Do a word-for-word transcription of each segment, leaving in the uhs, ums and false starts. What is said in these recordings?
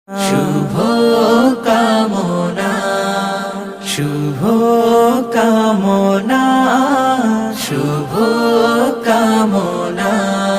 শুভ কামনা শুভ কামনা শুভ কামনা।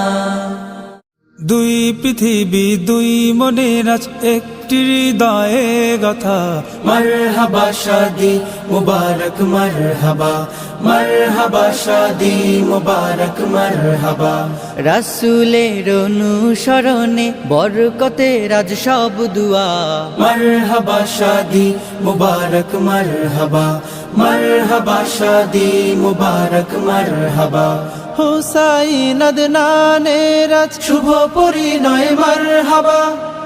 দুই পৃথিবী দুই মনের আজ একটি হৃদয়ে গাথা। মারহাবা শাদি মুবারক মারহাবা মারহাবা শাদি মুবারক মারহাবা। রাসূলের অনুসরণে বরকতের আজ সব দুয়া। মারহাবা শাদি মুবারক মারহাবা মারহাবা শাদি মুবারক মারহাবা। হুসাইন আদনানের আজ শুভ পরিণয় মারহাবা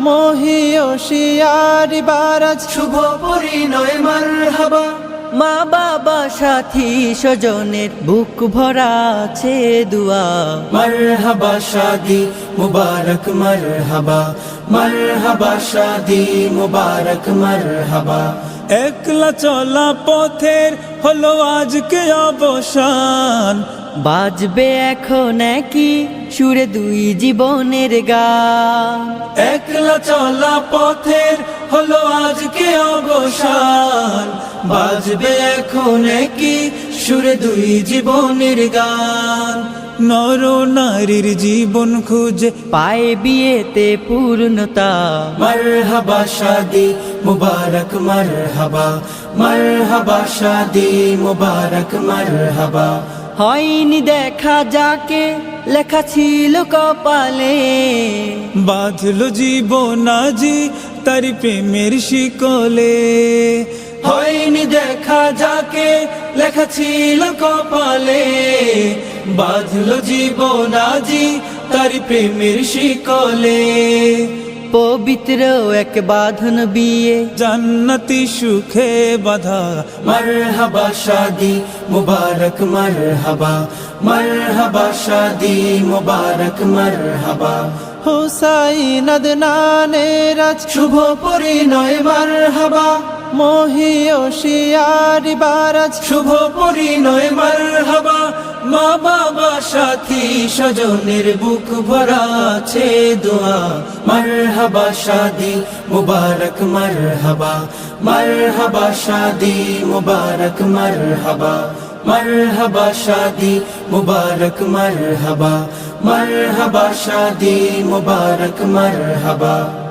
মহিয়সিয়ারি বারাজ। শুভ পরিণয় মারহাবা। মা বাবা সাথী স্বজনের বুক ভরা আছে দুয়া। মারহাবা শাদি মুবারক মারহাবা মারহাবা শাদি মুবারক মারহাবা। একলা চলা পথের হলো আজকে অবসান। বাজবে এখন কি সুরে দুই জীবনের গান। একলা চলা পথের হলো আজকে অবসান। বাজবে এখন কি সুরে দুই জীবনের গান। নর নারীর জীবন খুঁজে পায় বিয়েতে পূর্ণতা। মারহাবা শাদি মুবারক মারহাবা মারহাবা শাদি মুবারক মারহাবা। হয়নি দেখা যাকে লেখা ছিল কপালে। বাঁধলো জীবন আজি তারি প্রেমের শিকলে। হয়নি দেখা যাকে লেখা ছিল কপালে। বাঁধলো জীবন আজি তারি প্রেমের শিকলে। পবিত্র এক বাঁধন বিয়ে জান্নাতি সুখে বাধা। মারহাবা শাদি মুবারক মারহাবা মারহাবা শাদি মুবারক মারহাবা। হুসাইন আদনানের আজ শুভ পরিণয় মারহাবা মহিয়সিয়ারি বারাজ। শুভ পরিণয় মারহাবা। মা বাবা সাথী স্বজনের বুক ভরা আছে দোয়া। মারহাবা শাদি মুবারক মারহাবা মারহাবা শাদি মুবারক মারহাবা মারহাবা শাদি মুবারক মারহাবা মারহাবা শাদি মুবারক মারহাবা।